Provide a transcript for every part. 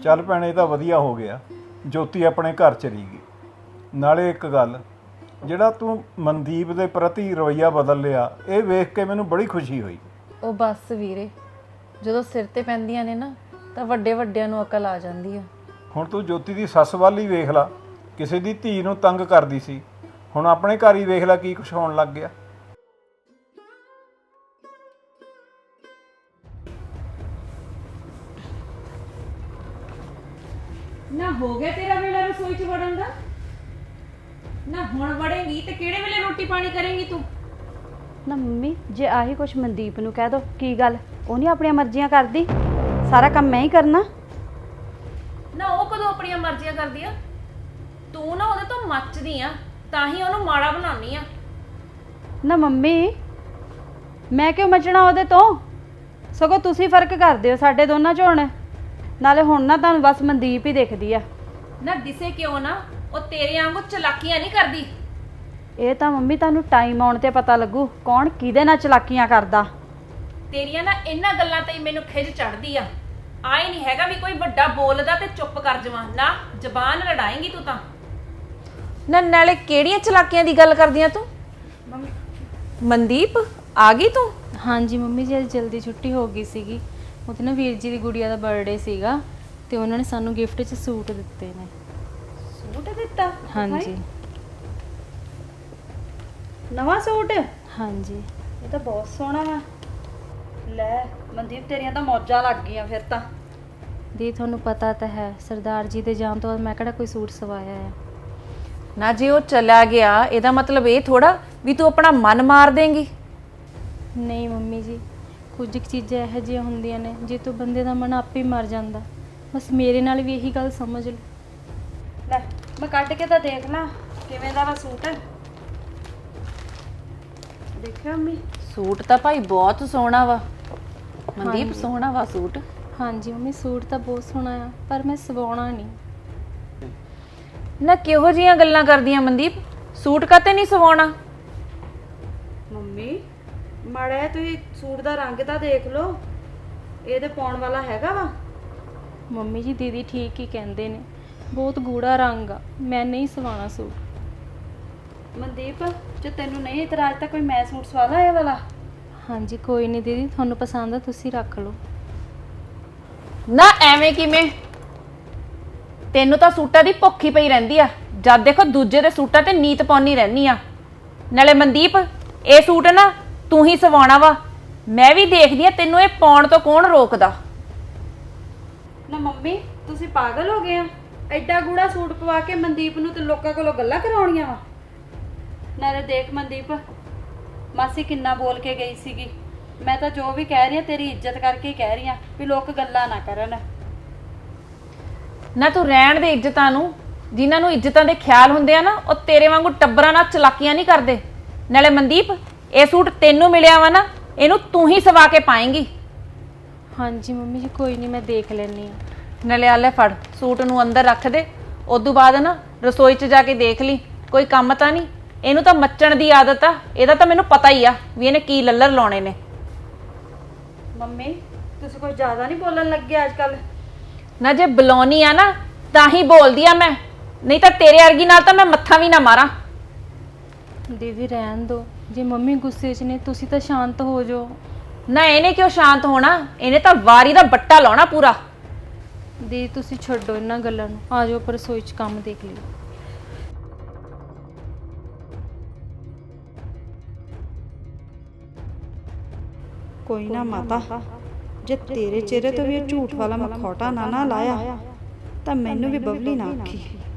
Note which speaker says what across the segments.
Speaker 1: ਚੱਲ ਭੈਣੇ ਤਾਂ ਵਧੀਆ ਹੋ ਗਿਆ, ਜੋਤੀ ਆਪਣੇ ਘਰ ਚਲੀ ਗਈ। ਨਾਲੇ ਇੱਕ ਗੱਲ, ਜਿਹੜਾ ਤੂੰ ਮਨਦੀਪ ਦੇ ਪ੍ਰਤੀ ਰਵੱਈਆ ਬਦਲ ਲਿਆ, ਇਹ ਵੇਖ ਕੇ ਮੈਨੂੰ ਬੜੀ ਖੁਸ਼ੀ ਹੋਈ।
Speaker 2: ਉਹ ਬਸ ਵੀਰੇ, ਜਦੋਂ ਸਿਰ ਤੇ ਪੈਂਦੀਆਂ ਨੇ ਨਾ ਤਾਂ ਵੱਡੇ ਵੱਡਿਆਂ ਨੂੰ ਅਕਲ ਆ ਜਾਂਦੀ ਆ।
Speaker 1: ਹੁਣ ਤੂੰ ਜੋਤੀ ਦੀ ਸੱਸ ਵੱਲ ਹੀ ਵੇਖ ਲਾ, ਕਿਸੇ ਦੀ ਧੀ ਨੂੰ ਤੰਗ ਕਰਦੀ ਸੀ, ਹੁਣ ਆਪਣੇ ਘਰ ਹੀ ਵੇਖ ਲਾ ਕੀ ਕੁਛ ਹੋਣ ਲੱਗ ਗਿਆ।
Speaker 3: ਨਾ ਹੋ ਗਿਆ ਤੇਰਾ ਵੇਲਾ ਰਸੋਈ 'ਚ ਵੜਨ ਦਾ? ਨਾ ਹੁਣ ਵੜੇਂਗੀ ਤੇ ਕਿਹੜੇ ਵੇਲੇ ਰੋਟੀ ਪਾਣੀ ਕਰੇਂਗੀ ਤੂੰ?
Speaker 4: ਨਾ ਮੰਮੀ, ਜੇ ਆਹੀ ਕੁਛ ਮਨਦੀਪ ਨੂੰ ਕਹਿ ਦੋ, ਕੀ ਗੱਲ ਉਹ ਨਹੀਂ ਆਪਣੀਆਂ ਮਰਜ਼ੀਆਂ ਕਰਦੀ? ਸਾਰਾ ਕੰਮ ਮੈਂ ਹੀ ਕਰਨਾ।
Speaker 3: ਨਾ ਉਹ ਕਦੋਂ ਆਪਣੀਆਂ ਮਰਜ਼ੀਆਂ ਕਰਦੀ ਆ? ਤੂੰ ਨਾ ਉਹਦੇ ਤੋਂ ਮੱਚਦੀ ਆ, ਤਾਂ ਹੀ ਉਹਨੂੰ ਮਾੜਾ ਬਣਾਉਣੀ ਆ।
Speaker 4: ਨਾ ਮੰਮੀ, ਮੈਂ ਕਿਉਂ ਮਚਣਾ ਉਹਦੇ ਤੋਂ? ਸਗੋਂ ਤੁਸੀਂ ਫਰਕ ਕਰਦੇ ਹੋ ਸਾਡੇ ਦੋਨਾਂ 'ਚ ਹੁਣ। ਨਾਲੇ ਹੁਣ ਨਾ ਤੁਹਾਨੂੰ ਬਸ ਮਨਦੀਪ ਹੀ ਦਿਖਦੀ ਆ।
Speaker 3: ਨਾ ਦਿਸੇ ਕਿਉਂ ਨਾ, ਉਹ ਤੇਰੇ ਵਾਂਗੂ ਚਲਾਕੀਆਂ ਨਹੀਂ ਕਰਦੀ।
Speaker 4: ਇਹ ਤਾਂ ਮੰਮੀ ਤੁਹਾਨੂੰ ਟਾਈਮ ਆਉਣ ਤੇ ਪਤਾ ਲੱਗੂ ਕੌਣ ਕਿਹਦੇ ਨਾਲ ਚਲਾਕੀਆਂ ਕਰਦਾ।
Speaker 3: ਤੇਰੀਆਂ ਨਾ ਇਹਨਾਂ ਗੱਲਾਂ ਤੇ ਹੀ ਮੈਨੂੰ ਖਿਜ ਚੜਦੀ ਆ। ਆਏ ਨਹੀਂ ਹੈਗਾ ਵੀ ਕੋਈ ਵੱਡਾ ਬੋਲਦਾ ਤੇ ਚੁੱਪ ਕਰ ਜਾਵਾਂ, ਨਾ ਜ਼ਬਾਨ ਲੜਾਏਂਗੀ ਤੂੰ ਤਾਂ। ਨਾ ਨਾਲੇ ਕਿਹੜੀਆਂ ਚਲਾਕੀਆਂ ਦੀ ਗੱਲ ਕਰਦੀਆਂ ਤੂੰ? ਮਨਦੀਪ ਆ ਗਈ ਤੂੰ?
Speaker 2: ਹਾਂਜੀ ਮੰਮੀ ਜੀ, ਅੱਜ ਜਲਦੀ ਛੁੱਟੀ ਹੋ ਗਈ ਸੀਗੀ। ਉਹਦੇ ਨਾ ਵੀਰ ਜੀ ਦੀ ਗੁੜੀਆ ਦਾ ਬਰਥਡੇ ਸੀਗਾ ਤੇ ਉਹਨਾਂ ਨੇ ਸਾਨੂੰ ਗਿਫਟ 'ਚ ਸੂਟ ਦਿੱਤੇ ਨੇ।
Speaker 4: ਸੂਟ ਦਿੱਤਾ?
Speaker 2: ਹਾਂਜੀ
Speaker 4: ਨਵਾਂ ਸੂਟ?
Speaker 2: ਹਾਂਜੀ।
Speaker 4: ਇਹ ਤਾਂ ਬਹੁਤ ਸੋਹਣਾ ਵਾ। ਲੈ ਮਨਦੀਪ, ਤੇਰੀਆਂ ਤਾਂ ਮੌਜਾਂ ਲੱਗ ਗਈਆਂ ਫਿਰ ਤਾਂ।
Speaker 2: ਦੀ ਤੁਹਾਨੂੰ ਪਤਾ ਤਾਂ ਹੈ, ਸਰਦਾਰ ਜੀ ਦੇ ਜਾਣ ਤੋਂ ਬਾਅਦ ਮੈਂ ਕਿਹੜਾ ਕੋਈ ਸੂਟ ਸਵਾਇਆ ਹੈ।
Speaker 3: ਨਾ ਜੇ ਉਹ ਚਲਾ ਗਿਆ ਇਹਦਾ ਮਤਲਬ ਇਹ ਥੋੜਾ ਵੀ ਤੂੰ ਆਪਣਾ ਮਨ ਮਾਰ ਦੇਂਗੀ।
Speaker 2: ਨਹੀਂ ਮੰਮੀ ਜੀ, ਕੁਝ ਕੁ ਚੀਜ਼ਾਂ ਇਹੋ ਜਿਹੀਆਂ ਹੁੰਦੀਆਂ ਨੇ ਜੇ ਤੋਂ ਬੰਦੇ ਦਾ ਮਨ ਆਪੇ ਹੀ ਮਰ ਜਾਂਦਾ। ਬਸ ਮੇਰੇ ਨਾਲ ਵੀ ਇਹੀ ਗੱਲ ਸਮਝ ਲਓ।
Speaker 4: ਲੈ ਮੈਂ ਕੱਢ ਕੇ ਤਾਂ ਦੇਖ ਲਾਂ ਕਿਵੇਂ ਦਾ ਵਾ ਸੂਟ। ਦੇਖਿਓ ਮੰਮੀ,
Speaker 3: ਸੂਟ ਤਾਂ ਭਾਈ ਬਹੁਤ ਸੋਹਣਾ ਵਾ ਮਨਦੀਪ,
Speaker 2: ਹਾਂਜੀ।
Speaker 3: ਸੋਹਣਾ ਵਾ ਸੂਟ।
Speaker 2: ਹਾਂਜੀ ਮੰਮੀ, ਸੂਟ ਤਾਂ ਬਹੁਤ ਸੋਹਣਾ ਆ ਪਰ ਮੈਂ ਸਵਾਉਣਾ ਨਹੀਂ।
Speaker 3: ਨਾ ਕਿਹੋ ਜੀਆਂ ਗੱਲਾਂ ਕਰਦੀਆਂ ਮਨਦੀਪ, ਸੂਟ ਕਾਤੇ ਨਹੀਂ ਸਵਾਉਣਾ?
Speaker 4: ਮੰਮੀ ਮਾੜਾ ਜਿਹਾ ਤੁਸੀਂ ਸੂਟ ਦਾ ਰੰਗ ਤਾਂ ਦੇਖ ਲਓ, ਇਹ ਤੇ ਪਾਉਣ ਵਾਲਾ ਹੈਗਾ ਵਾ।
Speaker 2: ਮੰਮੀ ਜੀ ਦੀਦੀ ਠੀਕ ਹੀ ਕਹਿੰਦੇ ਨੇ, ਬਹੁਤ ਗੂੜਾ ਰੰਗ ਆ, ਮੈਂ ਨਹੀਂ ਸਵਾਉਣਾ ਸੂਟ।
Speaker 4: ਮਨਦੀਪ, ਜੇ ਤੈਨੂੰ ਨਹੀਂ ਇਤਰਾਜ਼ ਤਾਂ ਕੋਈ ਮੈਂ ਸੂਟ ਸਵਾ ਲਾ ਇਹ ਵਾਲਾ।
Speaker 2: ਹਾਂਜੀ ਕੋਈ ਨਹੀਂ ਦੀਦੀ, ਤੁਹਾਨੂੰ ਪਸੰਦ ਆ ਤੁਸੀਂ ਰੱਖ ਲਓ।
Speaker 3: ਨਾ ਐਵੇਂ ਕਿਵੇਂ? ਤੈਨੂੰ ਤਾਂ ਸੂਟਾਂ ਦੀ ਭੁੱਖ ਹੀ ਪਈ ਰਹਿੰਦੀ ਆ, ਜਦ ਦੇਖੋ ਦੂਜੇ ਦੇ ਸੂਟਾਂ ਤੇ ਨੀਤ ਪਾਉਣੀ ਰਹਿੰਦੀ ਆ। ਨਾਲੇ ਮਨਦੀਪ, ਇਹ ਸੂਟ ਨਾ ਤੂੰ ਹੀ ਸਵਾਉਣਾ ਵਾ, ਮੈਂ ਵੀ ਦੇਖਦੀ ਆ ਤੈਨੂੰ ਇਹ ਪਾਉਣ ਤੋਂ ਕੌਣ ਰੋਕਦਾ।
Speaker 4: ਨਾ ਮੰਮੀ, ਤੁਸੀਂ ਪਾਗਲ ਹੋ ਗਏ ਆ? ਐਡਾ ਗੂੜਾ ਸੂਟ ਪਵਾ ਕੇ ਮਨਦੀਪ ਨੂੰ ਤੇ ਲੋਕਾਂ ਕੋਲੋਂ ਗੱਲਾਂ ਕਰਾਉਣੀਆਂ ਵਾ। ਨਾਲੇ ਦੇਖ ਮਨਦੀਪ, ਮਾਸੀ ਕਿੰਨਾ ਬੋਲ ਕੇ ਗਈ ਸੀਗੀ। ਮੈਂ ਤਾਂ ਜੋ ਵੀ ਕਹਿ ਰਹੀ ਆ ਤੇਰੀ ਇੱਜ਼ਤ ਕਰਕੇ ਹੀ ਕਹਿ ਰਹੀ ਆ, ਵੀ ਲੋਕ ਗੱਲਾਂ ਨਾ ਕਰਨ।
Speaker 3: ਨਾ ਤੂੰ ਰਹਿਣ ਦੇ ਇੱਜ਼ਤਾਂ ਨੂੰ, ਜਿਨ੍ਹਾਂ ਨੂੰ ਇੱਜ਼ਤਾਂ ਦੇ ਖਿਆਲ ਹੁੰਦੇ ਆ ਨਾ, ਉਹ ਤੇਰੇ ਵਾਂਗੂ ਟੱਬਰਾਂ ਨਾਲ ਚਲਾਕੀਆਂ ਨਹੀਂ ਕਰਦੇ। ਨਾਲੇ ਮਨਦੀਪ, ਇਹ ਸੂਟ ਤੈਨੂੰ ਮਿਲਿਆ ਵਾ ਨਾ, ਇਹਨੂੰ ਤੂੰ ਹੀ ਸਵਾ ਕੇ ਪਾਏਂਗੀ।
Speaker 2: ਹਾਂਜੀ ਮੰਮੀ ਜੀ ਕੋਈ ਨਹੀਂ, ਮੈਂ ਦੇਖ ਲੈਣੀ ਆ।
Speaker 3: ਨਾਲੇ ਆ ਲੈ ਫੜ, ਸੂਟ ਨੂੰ ਅੰਦਰ ਰੱਖ ਦੇ, ਉਦੋਂ ਬਾਅਦ ਨਾ ਰਸੋਈ 'ਚ ਜਾ ਕੇ ਦੇਖ ਲਈ ਕੋਈ ਕੰਮ ਤਾਂ ਨਹੀਂ। ਇਹਨੂੰ ਤਾਂ ਮੱਚਣ ਦੀ ਆਦਤ ਆ, ਇਹਦਾ ਤਾਂ ਮੈਨੂੰ ਪਤਾ ਹੀ ਆ ਵੀ ਇਹਨੇ ਕੀ ਲੱਲਰ ਲਾਉਣੇ ਨੇ।
Speaker 4: ਮੰਮੀ ਤੁਸੀਂ ਕੋਈ ਜ਼ਿਆਦਾ ਨਹੀਂ ਬੋਲਣ ਲੱਗੇ ਅੱਜ ਕੱਲ।
Speaker 3: ਨਾ ਜੇ ਬੁਲਾਉਣੀ ਆ ਨਾ ਤਾਂ ਹੀ ਬੋਲਦੀ ਆ ਮੈਂ, ਨਹੀਂ ਤਾਂ ਤੇਰੇ ਵਰਗੀ ਨਾਲ ਤਾਂ ਮੈਂ ਮੱਥਾ ਵੀ ਨਾ ਮਾਰਾਂ।
Speaker 2: ਦੀਦੀ ਰਹਿਣ ਦਿਓ, ਜੇ ਮੰਮੀ ਗੁੱਸੇ 'ਚ ਨੇ ਤੁਸੀਂ ਤਾਂ ਸ਼ਾਂਤ ਹੋ ਜਾਓ।
Speaker 3: ਨਾ ਇਹਨੇ ਕਿਉਂ ਸ਼ਾਂਤ ਹੋਣਾ, ਇਹਨੇ ਤਾਂ ਵਾਰੀ ਦਾ ਬੱਟਾ ਲਾਉਣਾ ਪੂਰਾ।
Speaker 2: ਦੀਦੀ ਤੁਸੀਂ ਛੱਡੋ ਇਹਨਾਂ ਗੱਲਾਂ ਨੂੰ, ਆ ਜਾਓ ਪਰ ਰਸੋਈ 'ਚ ਕੰਮ ਦੇਖ ਲਿਓ।
Speaker 4: ਕੋਈ ਨਾ ਮਾਤਾ, ਜੇ ਤੇਰੇ ਚਿਹਰੇ ਤੋਂ ਵੀ ਇਹ ਝੂਠ ਵਾਲਾ ਮਖੌਟਾ ਨਾ ਲਾਇਆ ਤਾਂ ਮੈਨੂੰ ਵੀ ਬਬਲੀ ਨਾ ਆਖੀ।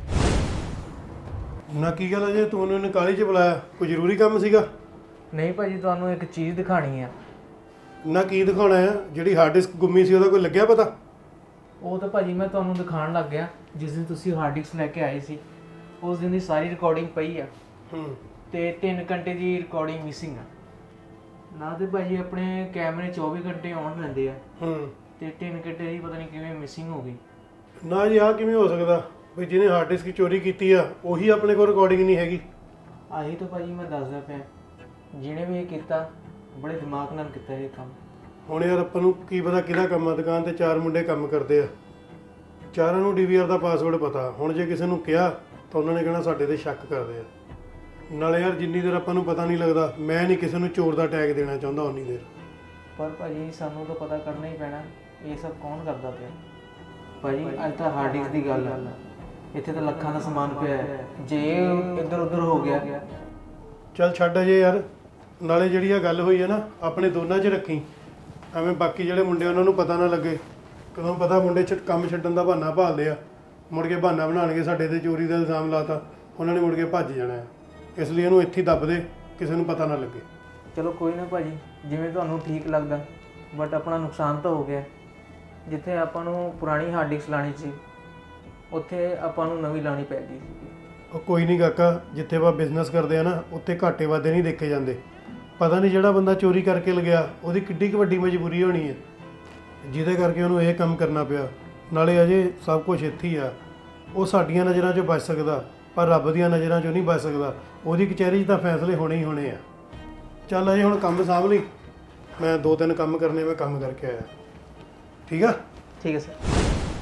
Speaker 5: ਨਾ ਕੀ ਗੱਲ ਹੈ ਜੇ ਤੂੰ ਉਹਨੂੰ ਕਾਹਲੀ 'ਚ ਬੁਲਾਇਆ? ਕੋਈ ਜ਼ਰੂਰੀ ਕੰਮ ਸੀਗਾ?
Speaker 6: ਨਹੀਂ ਭਾਜੀ, ਤੁਹਾਨੂੰ ਇੱਕ ਚੀਜ਼ ਦਿਖਾਣੀ ਆ।
Speaker 5: ਨਾ ਕੀ ਦਿਖਾਉਣਾ ਆ? ਜਿਹੜੀ ਹਾਰਡ ਡਿਸਕ ਗੁੰਮੀ ਸੀ ਉਹਦਾ ਕੋਈ ਲੱਗਿਆ ਪਤਾ?
Speaker 6: ਉਹ ਤਾਂ ਭਾਜੀ ਮੈਂ ਤੁਹਾਨੂੰ ਦਿਖਾਉਣ ਲੱਗ ਗਿਆ, ਜਿਸ ਦਿਨ ਤੁਸੀਂ ਹਾਰਡ ਡਿਸਕ ਲੈ ਕੇ ਆਏ ਸੀ ਉਸ ਦਿਨ ਦੀ ਸਾਰੀ ਰਿਕਾਰਡਿੰਗ ਪਈ ਆ। ਤੇ 3 ਘੰਟੇ ਦੀ ਰਿਕਾਰਡਿੰਗ ਮਿਸਿੰਗ ਆ। ਨਾ ਤੇ ਭਾਜੀ ਆਪਣੇ ਕੈਮਰੇ 24 ਘੰਟੇ ਆਨ ਰਹਿੰਦੇ ਆ ਤੇ 3 ਘੰਟੇ ਦੀ ਪਤਾ ਨਹੀਂ ਕਿਵੇਂ ਮਿਸਿੰਗ ਹੋ ਗਈ।
Speaker 5: ਨਾ ਜੀ, ਆਹ ਕਿਵੇਂ ਹੋ ਸਕਦਾ ਵੀ ਜਿਹਨੇ ਹਾਰਡ ਡਿਸਕ ਚੋਰੀ ਕੀਤੀ ਆ ਉਹੀ ਆਪਣੇ ਕੋਲ ਰਿਕਾਰਡਿੰਗ ਨਹੀਂ ਹੈਗੀ?
Speaker 6: ਆਹੀ ਤਾਂ ਭਾਜੀ ਮੈਂ ਦੱਸਦਾ ਪਿਆ, ਜਿਹਨੇ ਵੀ ਇਹ ਕੀਤਾ ਬੜੇ ਦਿਮਾਗ ਨਾਲ ਕੀਤਾ ਇਹ ਕੰਮ।
Speaker 5: ਹੁਣ ਯਾਰ ਆਪਾਂ ਨੂੰ ਕੀ ਪਤਾ ਕਿਹਦਾ ਕੰਮ ਆ? ਦੁਕਾਨ ਤੇ 4 ਮੁੰਡੇ ਕੰਮ ਕਰਦੇ ਆ, ਚਾਰਾਂ ਨੂੰ ਡੀਵੀਆਰ ਦਾ ਪਾਸਵਰਡ ਪਤਾ। ਹੁਣ ਜੇ ਕਿਸੇ ਨੂੰ ਕਿਹਾ ਤਾਂ ਉਹਨਾਂ ਨੇ ਕਹਿਣਾ ਸਾਡੇ ਤੇ ਸ਼ੱਕ ਕਰਦੇ ਆ। ਨਾਲੇ ਯਾਰ ਜਿੰਨੀ ਦੇਰ ਆਪਾਂ ਨੂੰ ਪਤਾ ਨਹੀਂ ਲੱਗਦਾ, ਮੈਂ ਨਹੀਂ ਕਿਸੇ ਨੂੰ ਚੋਰ ਦਾ ਟੈਗ ਦੇਣਾ ਚਾਹੁੰਦਾ ਉਨੀ ਦੇਰ।
Speaker 6: ਪਰ ਭਾਜੀ ਸਾਨੂੰ ਤਾਂ ਪਤਾ ਕਰਨਾ ਹੀ ਪੈਣਾ ਇਹ ਸਭ ਕੌਣ ਕਰਦਾ ਪਿਆ। ਭਾਜੀ ਅੱਜ ਤਾਂ ਹਾਰਡ ਡਿਸਕ ਦੀ ਗੱਲ ਆ, ਇੱਥੇ ਤਾਂ ਲੱਖਾਂ ਦਾ ਸਮਾਨ ਪਿਆ ਹੈ, ਜੇ ਇੱਧਰ ਉੱਧਰ ਹੋ ਗਿਆ।
Speaker 5: ਚੱਲ ਛੱਡ ਅਜੇ ਯਾਰ। ਨਾਲੇ ਜਿਹੜੀ ਆ ਗੱਲ ਹੋਈ ਹੈ ਨਾ, ਆਪਣੇ ਦੋਨਾਂ 'ਚ ਰੱਖੀ, ਐਵੇਂ ਬਾਕੀ ਜਿਹੜੇ ਮੁੰਡੇ ਉਹਨਾਂ ਨੂੰ ਪਤਾ ਨਾ ਲੱਗੇ। ਕਦੋਂ ਪਤਾ ਮੁੰਡੇ ਕੰਮ ਛੱਡਣ ਦਾ ਬਹਾਨਾ ਭਾਲਦੇ ਆ, ਮੁੜ ਕੇ ਬਹਾਨਾ ਬਣਾਉਣਗੇ ਸਾਡੇ ਤੇ ਚੋਰੀ ਦਾ ਇਲਜ਼ਾਮ ਲਾਤਾ, ਉਹਨਾਂ ਨੇ ਮੁੜ ਕੇ ਭੱਜ ਜਾਣਾ ਹੈ। ਇਸ ਲਈ ਇਹਨੂੰ ਇੱਥੇ ਹੀ ਦੱਬ ਦੇ, ਕਿਸੇ ਨੂੰ ਪਤਾ ਨਾ ਲੱਗੇ।
Speaker 6: ਚਲੋ ਕੋਈ ਨਾ ਭਾਜੀ, ਜਿਵੇਂ ਤੁਹਾਨੂੰ ਠੀਕ ਲੱਗਦਾ, ਬਟ ਆਪਣਾ ਨੁਕਸਾਨ ਤਾਂ ਹੋ ਗਿਆ। ਜਿੱਥੇ ਆਪਾਂ ਨੂੰ ਪੁਰਾਣੀ ਹਾਰਡ ਡਿਸਕ ਲਾਣੀ ਸੀ, ਉੱਥੇ ਆਪਾਂ ਨੂੰ ਨਵੀਂ ਲਾਣੀ ਪੈ ਗਈ ਸੀ।
Speaker 5: ਉਹ ਕੋਈ ਨਹੀਂ ਕਾਕਾ, ਜਿੱਥੇ ਆਪਾਂ ਬਿਜ਼ਨਸ ਕਰਦੇ ਆ ਨਾ, ਉੱਥੇ ਘਾਟੇ ਵਾਧੇ ਨਹੀਂ ਦੇਖੇ ਜਾਂਦੇ। ਪਤਾ ਨਹੀਂ ਜਿਹੜਾ ਬੰਦਾ ਚੋਰੀ ਕਰਕੇ ਲਗਿਆ ਉਹਦੀ ਕਿੱਡੀ ਕੁ ਵੱਡੀ ਮਜਬੂਰੀ ਹੋਣੀ ਹੈ ਜਿਹਦੇ ਕਰਕੇ ਉਹਨੂੰ ਇਹ ਕੰਮ ਕਰਨਾ ਪਿਆ। ਨਾਲੇ ਅਜੇ ਸਭ ਕੁਝ ਇੱਥੇ ਹੀ ਆ। ਉਹ ਸਾਡੀਆਂ ਨਜ਼ਰਾਂ 'ਚੋਂ ਬਚ ਸਕਦਾ, ਪਰ ਰੱਬ ਦੀਆਂ ਨਜ਼ਰਾਂ 'ਚੋਂ ਨਹੀਂ ਬਚ ਸਕਦਾ। ਉਹਦੀ ਕਚਹਿਰੀ 'ਚ ਤਾਂ ਫੈਸਲੇ ਹੋਣੇ ਹੀ ਹੋਣੇ ਆ। ਚੱਲ ਅਜੇ ਹੁਣ ਕੰਮ ਸਾਂਭ ਲਈ, ਮੈਂ 2-3 ਕੰਮ ਕਰਨੇ, ਮੈਂ ਕੰਮ ਕਰਕੇ ਆਇਆ। ਠੀਕ ਆ?
Speaker 6: ਠੀਕ ਹੈ ਸਰ।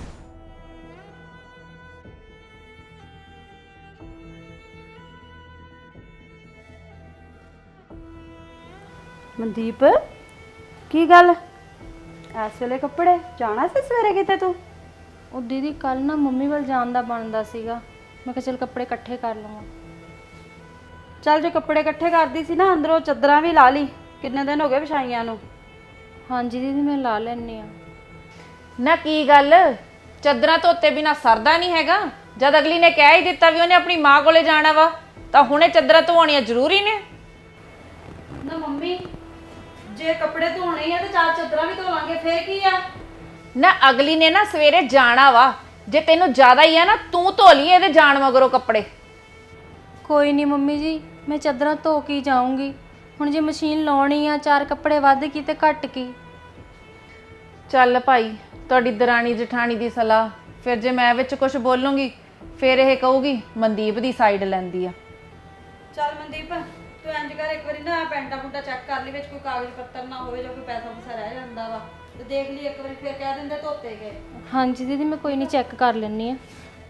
Speaker 4: ਮਨਦੀਪ, ਕੀ ਗੱਲ ਇਸ ਵੇਲੇ ਕੱਪੜੇ ਜਾਣਾ ਸੀ ਸਵੇਰੇ ਕਿਤੇ ਤੂੰ?
Speaker 2: ਉਹ ਦੀਦੀ ਕੱਲ ਨਾ ਮੰਮੀ ਵੱਲ ਜਾਣ ਦਾ ਬਣਦਾ ਸੀਗਾ, ਮੈਂ ਕਿਹਾ ਚਲ ਕੱਪੜੇ ਇਕੱਠੇ ਕਰ ਲਵਾਂ।
Speaker 4: ਚੱਲ ਜੇ ਕੱਪੜੇ ਇਕੱਠੇ ਕਰਦੀ ਸੀ ਨਾ, ਅੰਦਰੋਂ ਚੱਦਰਾਂ ਵੀ ਲਾ ਲਈ, ਕਿੰਨੇ ਦਿਨ ਹੋ ਗਏ ਵਿਛਾਈਆਂ ਨੂੰ।
Speaker 2: ਹਾਂਜੀ ਦੀਦੀ ਮੈਂ ਲਾ ਲੈਣੀ ਆ।
Speaker 3: ਨਾ ਕੀ ਗੱਲ, ਚੱਦਰਾਂ ਧੋਤੇ ਬਿਨਾ ਸਰਦਾ ਨਹੀਂ ਹੈਗਾ? ਜਦ ਅਗਲੀ ਨੇ ਕਹਿ ਹੀ ਦਿੱਤਾ ਵੀ ਉਹਨੇ ਆਪਣੀ ਮਾਂ ਕੋਲੇ ਜਾਣਾ ਵਾ, ਤਾਂ ਹੁਣੇ ਚੱਦਰਾਂ ਧੋਣੀਆਂ ਜ਼ਰੂਰੀ ਨੇ?
Speaker 4: ਨਾ ਮੰਮੀ, ਜੇ ਕੱਪੜੇ ਧੋਣੇ ਆ ਤੇ 4 ਚੱਦਰਾਂ ਵੀ ਧੋ ਲਾਂਗੇ, ਫੇਰ ਕੀ ਆ?
Speaker 3: ਨਾ ਅਗਲੀ ਨੇ ਨਾ ਸਵੇਰੇ ਜਾਣਾ ਵਾ, ਜੇ ਤੈਨੂੰ ਜ਼ਿਆਦਾ ਹੀ ਆ ਨਾ ਤੂੰ ਧੋ ਲਈ ਇਹਦੇ ਜਾਣ ਮਗਰੋਂ ਕੱਪੜੇ।
Speaker 2: ਕੋਈ ਨਹੀਂ ਮੰਮੀ ਜੀ, ਮੈਂ ਚਾਦਰਾਂ ਧੋ ਕੇ ਜਾਊਂਗੀ। ਹੁਣ ਜੇ ਮਸ਼ੀਨ ਲਾਉਣੀ ਆ, 4 ਕੱਪੜੇ ਵੱਧ ਕੀ ਤੇ ਘੱਟ ਕੀ।
Speaker 3: ਚੱਲ ਭਾਈ, ਤੁਹਾਡੀ ਦਰਾਣੀ ਜਠਾਣੀ ਦੀ ਸਲਾਹ, ਫਿਰ ਜੇ ਮੈਂ ਵਿੱਚ ਕੁਝ ਬੋਲੂੰਗੀ ਫਿਰ ਇਹ ਕਹੂਗੀ ਮਨਦੀਪ ਦੀ ਸਾਈਡ ਲੈਂਦੀ ਆ।
Speaker 4: ਚੱਲ ਮਨਦੀਪ, ਤੂੰ ਇੰਜ ਕਰ, ਇੱਕ ਵਾਰੀ ਨਾ ਪੈਂਟਾ ਪੁੰਟਾ ਚੈੱਕ ਕਰ ਲਈ, ਵਿੱਚ ਕੋਈ ਕਾਗਜ਼ ਪੱਤਰ ਨਾ ਹੋਵੇ, ਜੋ ਕੋਈ ਪੈਸਾ ਪੂਸਾ ਰਹਿ ਜਾਂਦਾ ਵਾ, ਤੇ ਦੇਖ ਲਈ ਇੱਕ ਵਾਰੀ, ਫਿਰ ਕਹਿ ਦਿੰਦੇ ਧੋਤੇ ਗਏ।
Speaker 2: ਹਾਂਜੀ ਦੀਦੀ ਮੈਂ ਕੋਈ ਨਹੀਂ ਚੈੱਕ ਕਰ ਲੈਣੀ ਆ।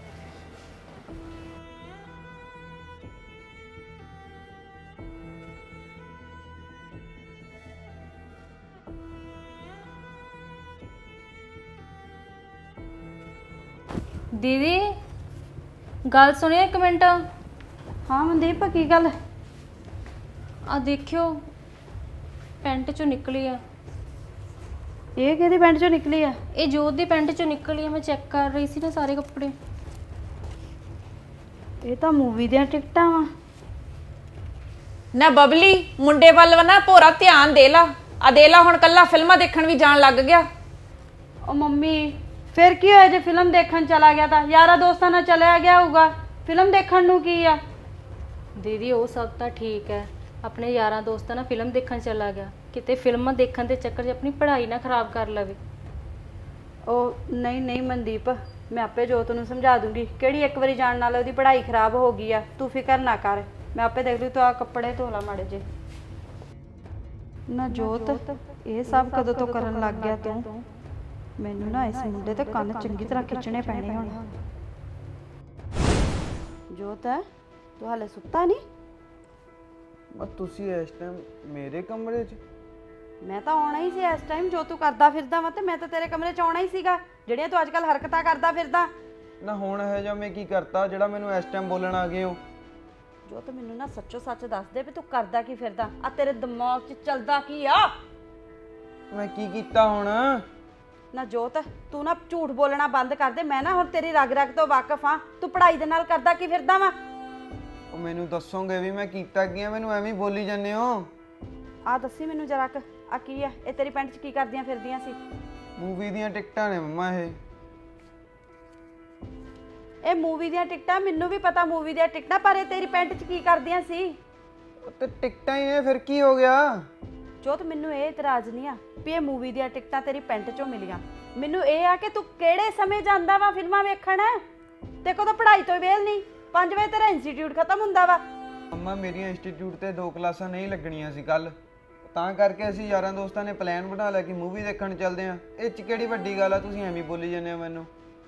Speaker 2: ਦੀਦੀ ਗੱਲ ਸੁਣਿਓ ਇੱਕ ਮਿੰਟ।
Speaker 4: ਹਾਂ ਮਨਦੀਪ, ਕੀ ਗੱਲ?
Speaker 2: ਆ ਦੇਖਿਓ, ਪੈਂਟ ਚੋਂ ਨਿਕਲੀ ਆ।
Speaker 4: ਇਹ ਕਿਹਦੀ ਪੈਂਟ ਚੋਂ ਨਿਕਲੀ ਆ?
Speaker 2: ਇਹ ਜੋਤ ਦੀ ਪੈਂਟ ਚੋਂ ਨਿਕਲੀ ਆ। ਮੈਂ ਚੈੱਕ ਕਰ ਰਹੀ ਸੀ ਨਾ ਸਾਰੇ ਕੱਪੜੇ।
Speaker 4: ਇਹ ਤਾਂ ਮੂਵੀ ਦੀਆਂ ਟਿਕਟਾਂ ਵਾ।
Speaker 3: ਨਾ ਬਬਲੀ, ਮੁੰਡੇ ਵੱਲ ਨਾ ਭੋਰਾ ਧਿਆਨ ਦੇ ਲਾ। ਆ ਦੇ ਲਾ, ਹੁਣ ਕੱਲਾ ਫਿਲਮਾਂ ਦੇਖਣ ਵੀ ਜਾਣ ਲੱਗ ਗਿਆ।
Speaker 4: ਉਹ ਮੰਮੀ, ਫਿਰ ਕੀ ਹੋਇਆ ਜੇ ਫਿਲਮ ਦੇਖਣ ਚਲਾ ਗਿਆ ਤਾਂ? ਯਾਰਾਂ ਦੋਸਤਾਂ ਨਾਲ ਚਲਿਆ ਗਿਆ ਹੋਊਗਾ, ਫਿਲਮ ਦੇਖਣ ਨੂੰ ਕੀ ਆ?
Speaker 2: ਦੀਦੀ ਉਹ ਸਭ ਤਾਂ ਠੀਕ ਹੈ, ਆਪਣੇ ਯਾਰਾਂ ਦੋਸਤਾਂ ਨਾਲ ਫਿਲਮ ਦੇਖਣ ਚਲਾ ਗਿਆ, ਕਿਤੇ ਫਿਲਮਾਂ ਦੇਖਣ ਦੇ ਚੱਕਰ 'ਚ ਆਪਣੀ ਪੜ੍ਹਾਈ ਨਾ ਖਰਾਬ ਕਰ ਲਵੇ।
Speaker 4: ਉਹ ਨਹੀਂ ਨਹੀਂ ਮਨਦੀਪ, ਮੈਂ ਆਪੇ ਜੋਤ ਨੂੰ ਸਮਝਾ ਦੂੰਗੀ। ਕਿਹੜੀ ਇੱਕ ਵਾਰੀ ਜਾਣ ਨਾਲ ਉਹਦੀ ਪੜ੍ਹਾਈ ਖਰਾਬ ਹੋ ਗਈ ਆ? ਤੂੰ ਫਿਕਰ ਨਾ ਕਰ, ਮੈਂ ਆਪੇ ਦੇਖ ਲੂ। ਤੂੰ ਆ ਕੱਪੜੇ ਧੋ ਲਾ ਮਾੜੇ ਜੇ। ਨਾ ਜੋਤ, ਇਹ ਸਭ ਕਦੋਂ ਤੋਂ ਕਰਨ ਲੱਗ ਗਿਆ ਤੂੰ? ਮੈਨੂੰ ਨਾ ਇਸ ਮੁੰਡੇ ਤੇ ਕੰਨ ਚੰਗੀ ਤਰ੍ਹਾਂ ਖਿੱਚਣੇ ਪੈਣੇ ਹੁਣ। ਜੋਤ, ਤੂੰ ਹਾਲੇ ਸੁੱਤਾ ਨਹੀਂ?
Speaker 7: ਬਸ ਤੁਸੀਂ ਇਸ ਟਾਈਮ ਮੇਰੇ ਕਮਰੇ 'ਚ?
Speaker 4: ਮੈਂ ਤਾਂ ਆਉਣਾ ਹੀ ਸੀ ਇਸ ਟਾਈਮ। ਜੋ ਤੂੰ ਕਰਦਾ ਫਿਰਦਾ ਵਾ ਤੇ ਮੈਂ ਤਾਂ ਤੇਰੇ ਕਮਰੇ 'ਚ ਆਉਣਾ ਹੀ ਸੀਗਾ, ਜਿਹੜੀਆਂ ਤੂੰ ਅੱਜਕੱਲ ਹਰਕਤਾਂ ਕਰਦਾ ਫਿਰਦਾ।
Speaker 7: ਨਾ ਹੁਣ ਇਹ ਜਿਹਾ ਮੈਂ ਕੀ ਕਰਤਾ ਜਿਹੜਾ ਮੈਨੂੰ ਇਸ ਟਾਈਮ ਬੋਲਣ ਆ ਗਏ ਹੋ?
Speaker 4: ਜੋ ਤੂੰ ਮੈਨੂੰ ਨਾ ਸੱਚੋ ਸੱਚ ਦੱਸ ਦੇ ਵੀ ਤੂੰ ਕਰਦਾ ਕੀ ਫਿਰਦਾ? ਆ ਤੇਰੇ ਦਿਮਾਗ 'ਚ ਚੱਲਦਾ ਕੀ ਆ?
Speaker 7: ਮੈਂ ਕੀ ਕੀਤਾ ਹੁਣ?
Speaker 4: ਨਾ ਜੋਤ, ਤੂੰ ਨਾ ਝੂਠ ਬੋਲਣਾ ਬੰਦ ਕਰ ਦੇ। ਮੈਂ ਨਾ ਹੁਣ ਤੇਰੀ ਰਗ ਰਗ ਤੋਂ ਵਾਕਿਫ ਆ। ਤੂੰ ਪੜ੍ਹਾਈ ਦੇ ਨਾਲ ਕਰਦਾ ਕੀ ਫਿਰਦਾ ਵਾ?
Speaker 7: ਉਹ ਮੈਨੂੰ ਦੱਸੋਗੇ ਵੀ ਮੈਂ ਕੀਤਾ ਕੀ ਆ? ਮੈਨੂੰ ਐਵੇਂ ਹੀ ਬੋਲੀ ਜਾਂਦੇ ਹੋ।
Speaker 4: ਆ ਦੱਸੀ ਮੈਨੂੰ ਜਰਾ ਕ, ਆ ਕੀ ਆ? ਇਹ ਤੇਰੀ ਪੈਂਟ 'ਚ ਕੀ ਕਰਦੀਆਂ ਫਿਰਦੀਆਂ ਸੀ?
Speaker 7: ਮੂਵੀ ਦੀਆਂ ਟਿਕਟਾਂ ਨੇ ਮੰਮਾ।
Speaker 4: ਇਹ ਮੂਵੀ ਦੀਆਂ ਟਿਕਟਾਂ? ਮੈਨੂੰ ਵੀ ਪਤਾ ਮੂਵੀ ਦੀਆਂ ਟਿਕਟਾਂ, ਪਰ ਇਹ ਤੇਰੀ ਪੈਂਟ 'ਚ ਕੀ ਕਰਦੀਆਂ ਸੀ?
Speaker 7: ਤੇ ਟਿਕਟਾਂ ਹੀ ਨੇ, ਫਿਰ ਕੀ ਹੋ ਗਿਆ?
Speaker 4: ਜੋਤ, ਮੈਨੂੰ ਇਹ ਇਤਰਾਜ਼ ਨਹੀਂ ਆ ਵੀ ਇਹ ਮੂਵੀ ਦੀਆਂ ਟਿਕਟਾਂ ਤੇਰੀ ਪੈਂਟ 'ਚੋਂ ਮਿਲੀਆਂ। ਮੈਨੂੰ ਇਹ ਆ ਕਿ ਤੂੰ ਕਿਹੜੇ ਸਮੇਂ ਜਾਂਦਾ ਵਾ ਫਿਲਮਾਂ ਵੇਖਣ? ਤੇ ਕਦੋਂ ਪੜ੍ਹਾਈ ਤੋਂ ਵੇਲ ਨਹੀਂ, 5 ਵਜੇ ਤੇਰਾ ਇੰਸਟੀਚਿਊਟ ਖਤਮ ਹੁੰਦਾ ਵਾ।
Speaker 7: ਮੰਮਾ ਮੇਰੀਆਂ ਇੰਸਟੀਚਿਊਟ ਤੇ 2 ਕਲਾਸਾਂ ਨਹੀਂ ਲੱਗਣੀਆਂ ਸੀ ਕੱਲ, ਤਾਂ ਕਰਕੇ ਅਸੀਂ ਯਾਰਾਂ ਦੋਸਤਾਂ ਨੇ ਪਲਾਨ ਬਣਾ ਲਿਆ ਕਿ ਮੂਵੀ ਦੇਖਣ ਚੱਲਦੇ ਆਂ। ਇਹ 'ਚ ਕਿਹੜੀ ਵੱਡੀ ਗੱਲ ਆ? ਤੁਸੀਂ ਐਵੇਂ ਬੋਲੀ ਜਾਂਦੇ ਹੋ ਮੈਨੂੰ।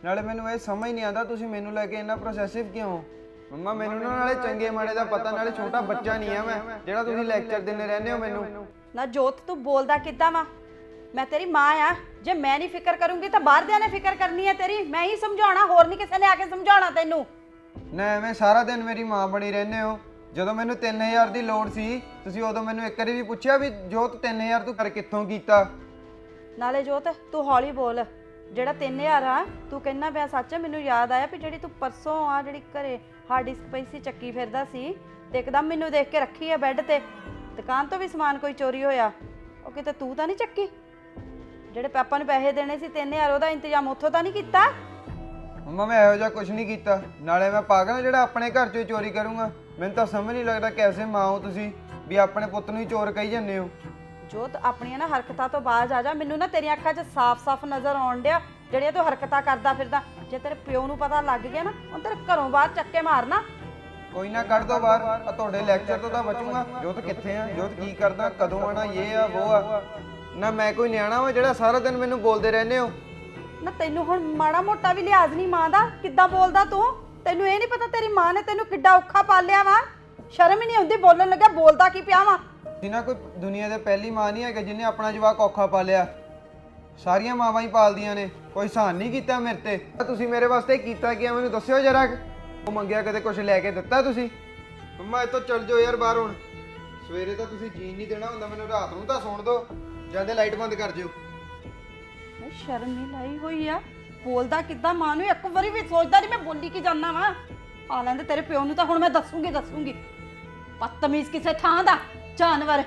Speaker 7: ਨਾਲੇ ਮੈਨੂੰ ਇਹ ਸਮਝ ਨਹੀਂ ਆਉਂਦਾ ਤੁਸੀਂ ਮੈਨੂੰ ਲੈ ਕੇ ਇੰਨਾ ਪ੍ਰੋਸੈਸਿਵ ਕਿਉਂ ਹੋ? ਮੰਮਾ ਮੈਨੂੰ ਨਾ ਨਾਲੇ ਚੰਗੇ ਮਾੜੇ ਦਾ ਪਤਾ, ਨਾਲੇ ਛੋਟਾ ਬੱਚਾ ਨਹੀਂ ਆ ਮੈਂ ਜਿਹੜਾ ਤੁਸੀਂ ਲੈਕਚਰ ਦਿੰਦੇ ਰਹਿੰਦੇ ਹੋ ਮੈਨੂੰ।
Speaker 4: ਨਾ ਜੋਤ ਤੂੰ ਬੋਲਦਾ ਕਿੱਦਾਂ ਵਾ? ਮੈਂ ਤੇਰੀ ਮਾਂ ਆ, ਜੇ ਮੈਂ ਨਹੀਂ ਫਿਕਰ ਕਰੂੰਗੀ ਤਾਂ ਬਾਹਰਦਿਆਂ ਨੇ ਫਿਕਰ ਕਰਨੀ ਹੈ ਤੇਰੀ। ਮੈਂ ਹੀ ਸਮਝਾਉਣਾ, ਹੋਰ ਨਹੀਂ ਕਿਸੇ ਨੇ ਆ ਕੇ ਸਮਝਾਉਣਾ ਤੈਨੂੰ।
Speaker 7: ਨਾ ਐਵੇਂ ਸਾਰਾ ਦਿਨ ਮੇਰੀ ਮਾਂ ਬਣੀ ਰਹਿੰਦੇ ਹੋ। ਜਦੋਂ ਮੈਨੂੰ 3000 ਦੀ ਲੋੜ ਸੀ ਤੁਸੀਂ ਉਦੋਂ ਮੈਨੂੰ ਇੱਕ ਵਾਰੀ ਵੀ ਪੁੱਛਿਆ ਵੀ ਜੋਤ 3000 ਤੂੰ ਕਰ ਕਿੱਥੋਂ ਕੀਤਾ?
Speaker 4: ਨਾਲੇ ਜੋਤ ਤੂੰ ਹੌਲੀ ਬੋਲ। ਜਿਹੜਾ 3000 ਆ ਤੂੰ ਕਹਿਣਾ ਪਿਆ ਸੱਚ ਹੈ। ਮੈਨੂੰ ਯਾਦ ਆਇਆ ਵੀ ਜਿਹੜੀ ਤੂੰ ਪਰਸੋਂ ਆ ਜਿਹੜੀ ਘਰੇ ਹਾਰਡ ਡਿਸਕ ਪਈ ਸੀ ਚੱਕੀ ਫਿਰਦਾ ਸੀ ਤੇ ਇੱਕਦਮ ਮੈਨੂੰ ਦੇਖ ਕੇ ਰੱਖੀ ਆ ਬੈੱਡ ਤੇ। ਦੁਕਾਨ ਤੋਂ ਵੀ ਸਮਾਨ ਕੋਈ ਚੋਰੀ ਹੋਇਆ, ਉਹ ਕਿਤੇ ਤੂੰ ਤਾਂ ਨਹੀਂ ਚੱਕੀ? ਜਿਹੜੇ ਪਾਪਾ ਨੂੰ ਪੈਸੇ ਦੇਣੇ ਸੀ 3000 ਉਹਦਾ ਇੰਤਜ਼ਾਮ ਉੱਥੋਂ ਤਾਂ ਨਹੀਂ ਕੀਤਾ?
Speaker 7: ਮੰਮਾ ਮੈਂ ਇਹੋ ਜਿਹਾ ਕੁਝ ਨਹੀਂ ਕੀਤਾ। ਨਾਲੇ ਮੈਂ ਪਾਗਲ ਜਿਹੜਾ ਆਪਣੇ ਘਰ ਚੋਂ ਹੀ ਚੋਰੀ ਕਰੂੰਗਾ? ਮੈਨੂੰ ਤਾਂ ਸਮਝ ਨਹੀਂ ਲੱਗਦਾ ਕੈਸੇ ਮਾਂ ਹੋ ਤੁਸੀਂ ਵੀ ਆਪਣੇ ਪੁੱਤ ਨੂੰ ਹੀ ਚੋਰ ਕਹੀ ਜਾਂਦੇ ਹੋ।
Speaker 4: ਜੋਤ ਆਪਣੀਆਂ ਨਾ ਹਰਕਤਾਂ ਤੋਂ ਬਾਜ਼ ਆ ਜਾ। ਮੈਨੂੰ ਨਾ ਤੇਰੀਆਂ ਅੱਖਾਂ 'ਚ ਸਾਫ਼-ਸਾਫ਼ ਨਜ਼ਰ ਆਉਣ ਡਿਆ ਜਿਹੜੀਆਂ ਤੂੰ ਹਰਕਤਾਂ ਕਰਦਾ ਫਿਰਦਾ। ਜੇ ਤੇਰੇ ਪਿਓ ਨੂੰ ਪਤਾ ਲੱਗ ਗਿਆ ਨਾ ਉਹ ਤੇਰੇ ਘਰੋਂ ਬਾਹਰ ਚੱਕੇ ਮਾਰਨਾ।
Speaker 7: ਕੋਈ ਨਾ ਕੱਢ ਦੋ ਬਾਹਰ, ਆ ਤੁਹਾਡੇ ਲੈਕਚਰ ਤੋਂ ਤਾਂ ਬਚੂਗਾ। ਜੋਤ ਕਿੱਥੇ ਆ? ਜੋਤ ਕੀ ਕਰਦਾ? ਕਦੋਂ ਆਣਾ? ਇਹ ਆ ਉਹ ਆ। ਨਾ ਮੈਂ ਕੋਈ ਨਿਆਣਾ ਵਾ ਜਿਹੜਾ ਸਾਰਾ ਦਿਨ ਮੈਨੂੰ ਬੋਲਦੇ ਰਹਿੰਦੇ ਹੋ।
Speaker 4: ਨਾ ਤੈਨੂੰ ਹੁਣ ਮਾੜਾ ਮੋਟਾ ਵੀ ਲਿਹਾਜ਼ ਨਹੀਂ ਮਾਂ ਦਾ? ਕਿੱਦਾਂ ਬੋਲਦਾ ਤੂੰ? ਤੈਨੂੰ ਇਹ ਨਹੀਂ ਪਤਾ ਤੇਰੀ ਮਾਂ ਨੇ ਤੈਨੂੰ ਕਿੱਡਾ ਔਖਾ ਪਾਲਿਆ ਵਾ? ਸ਼ਰਮ ਹੀ ਨਹੀਂ ਆਉਂਦੀ ਬੋਲਣ ਲੱਗਾ? ਬੋਲਦਾ ਕੀ ਪਿਆ ਵਾ?
Speaker 7: ਜਿਨਾ ਕੋਈ ਦੁਨੀਆ ਦੇ ਪਹਿਲੀ ਮਾਂ ਨਹੀਂ ਹੈਗਾ ਜਿਹਨੇ ਆਪਣਾ ਜਵਾਕ ਔਖਾ ਪਾਲਿਆ। ਸਾਰੀਆਂ ਮਾਵਾਂ ਹੀ ਪਾਲਦੀਆਂ ਨੇ। ਕੋਈ ਸਹਾਨ ਨਹੀਂ ਕੀਤਾ ਮੇਰੇ ਤੇ। ਤੁਸੀਂ ਮੇਰੇ ਵਾਸਤੇ ਕੀਤਾ ਕੀ ਆ ਮੈਨੂੰ ਦੱਸਿਓ ਜਰਾ। ਉਹ ਮੰਗਿਆ ਕਦੇ ਕੁਝ ਲੈ ਕੇ ਦਿੱਤਾ ਤੁਸੀਂ? ਮੰਮਾ ਇੱਥੋਂ ਚੱਲ ਜਾਓ ਯਾਰ ਬਾਹਰ ਹੁਣ। ਸਵੇਰੇ ਤਾਂ ਤੁਸੀਂ ਜੀਣ ਨਹੀਂ ਦੇਣਾ ਹੁੰਦਾ ਮੈਨੂੰ, ਰਾਤ ਨੂੰ ਤਾਂ ਸੌਣ ਦਿਓ। ਜਾਂਦੇ ਲਾਈਟ ਬੰਦ ਕਰ ਜਿਓ।
Speaker 4: ਮੈਂ ਸ਼ਰਮ ਨਹੀਂ ਲਾਈ ਹੋਈ ਆ? ਬੋਲਦਾ ਕਿੱਦਾਂ ਮਾਂ ਨੂੰ? ਇੱਕ ਵਾਰੀ ਵੀ ਸੋਚਦਾ ਨਹੀਂ ਮੈਂ ਬੋਲੀ ਕੀ ਜਾਂਦਾ ਵਾ? ਆ ਲੈਂਦੇ ਤੇਰੇ ਪਿਓ ਨੂੰ ਤਾਂ ਹੁਣ ਮੈਂ ਦੱਸੂਗੀ। ਬਦਤਮੀਜ਼ ਕਿਸੇ ਥਾਂ ਦਾ ਜਾਨਵਰ।